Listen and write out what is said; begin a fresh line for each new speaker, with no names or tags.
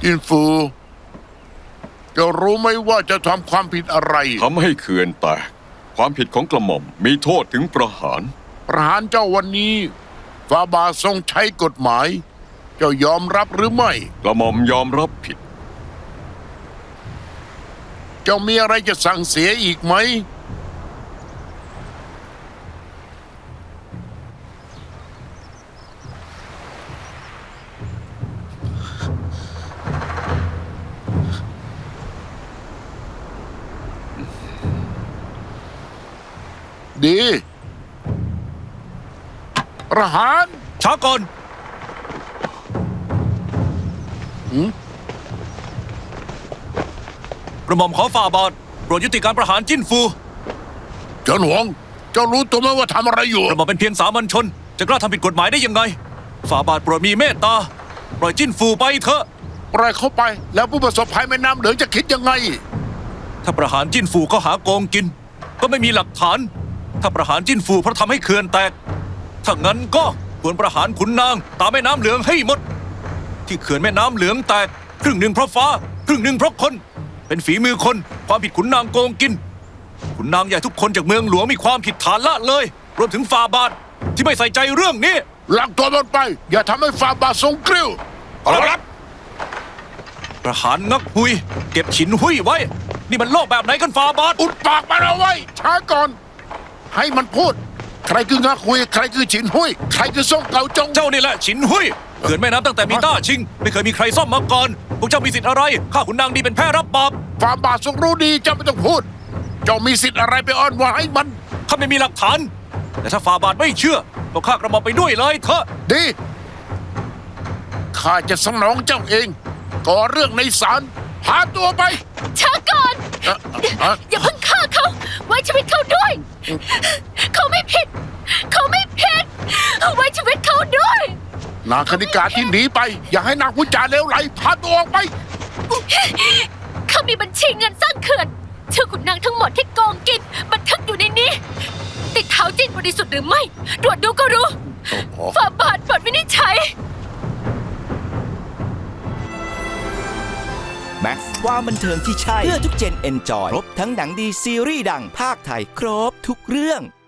จินฟูจะรู้ไหมว่าจะทำความผิดอะไร
ทำให้เขื่อนแตกความผิดของกระหม่อมมีโทษถึงประหาร
ประหารเจ้าวันนี้ฟาบาทรงใช้กฎหมาย เจ้ายอมรับหรือไม่
กระหม่อมยอมรับผิด
เจ้ามีอะไรจะสั่งเสียอีกไหมดีประหาร
ช้าก่อนกระหม่อมขอฝ่าบาทโปรดยุติการประหารจิ้นฟู
เจ้าหลวงเจ้ารู้ตัวไหมว่าทำอะไรอยู่
กระหม่อมเป็นเพียงสามัญชนจะกล้าทำผิดกฎหมายได้ยังไงฝ่าบาทโปรดมีเมตตาปล่อยจิ้นฟูไปเถอะ
ปล่อยเขาไปแล้วผู้ประสบภัยแม่น้ำเหลืองจะคิดยังไง
ถ้าประหารจิ้นฟูเขาหาโกงกิน ก็ไม่มีหลักฐาน ถ้าประหารจิ้นฟูเพราะทำให้เขื่อนแตกถ้างั้นก็ควรประหารขุนนางตามแม่น้ำเหลืองให้หมด ที่เขื่อนแม่น้ำเหลืองแตกครึ่งหนึ่งเพราะฟ้าครึ่งหนึ่งเพราะคน เป็นฝีมือคนความผิดขุนนางโกงกิน ขุนนางใหญ่ทุกคนจากเมืองหลวงมีความผิดฐานละเลย รวมถึงฝ่าบาทที่ไม่ใส่ใจเรื่องนี้
หลักตัวมันไป อย่าทำให้ฟาบาททรงกริ้ว
ครับ
ประหารงักหุยเก็บฉินหุยไว้ นี่มันโลกแบบไหนกันฝ่าบาท
อุดปากมันเอาไว้ช้าก่อน ให้มันพูด ใครคืองาคุย ใครคือฉินหุยใครคือซ่งเกาจง
เจ้านี่แหละฉินหุยเขื่อนแม่น้ำตั้งแต่มีต้าชิง ไม่เคยมีใครซ่อมมาก่อนพวกเจ้ามีสิทธิ์อะไรข้าขุนนางดีเป็นแพ้รับบาป
ฟาบาททรงรู้ดีเจ้าไม่ต้องพูด เจ้ามีสิทธิ์อะไรไปอ้อนวอนให้มัน
ข้าไม่มีหลักฐาน แต่ถ้าฝ่าบาทไม่เชื่อก็ฆ่ากระหม่อมไปด้วยเลยเถอะ
ดีข้าจะสนองเจ้าเองก่อเรื่องในศาลพาตัวไป
ช้าก่อน
เอ่อเอ่อ
อย่าเพิ่งฆ่าเขา ไว้ชีวิตเขาด้วย เขาไม่ผิด เขาไม่ผิด ไว้ชีวิตเขาด้วย
นางคณิกาที่หนีไป อย่าให้นางพูดจาเลวไหลพาตัวออกไป
เขามีบัญชีเงินสร้างเขื่อนชื่อขุนนางทั้งหมดที่โกงกินบันทึกอยู่ในนี้ ติดเท้าจิ้นบริสุทธิ์หรือไม่ตรวจดูก็รู้ฝ่าบาทปลดวินิจฉัย
แม็กซ์ความบันเทิงที่ใช่ เพื่อทุกเจนเอนจอย ครบทั้งหนังดีซีรีส์ดังภาคไทย ครบทุกเรื่อง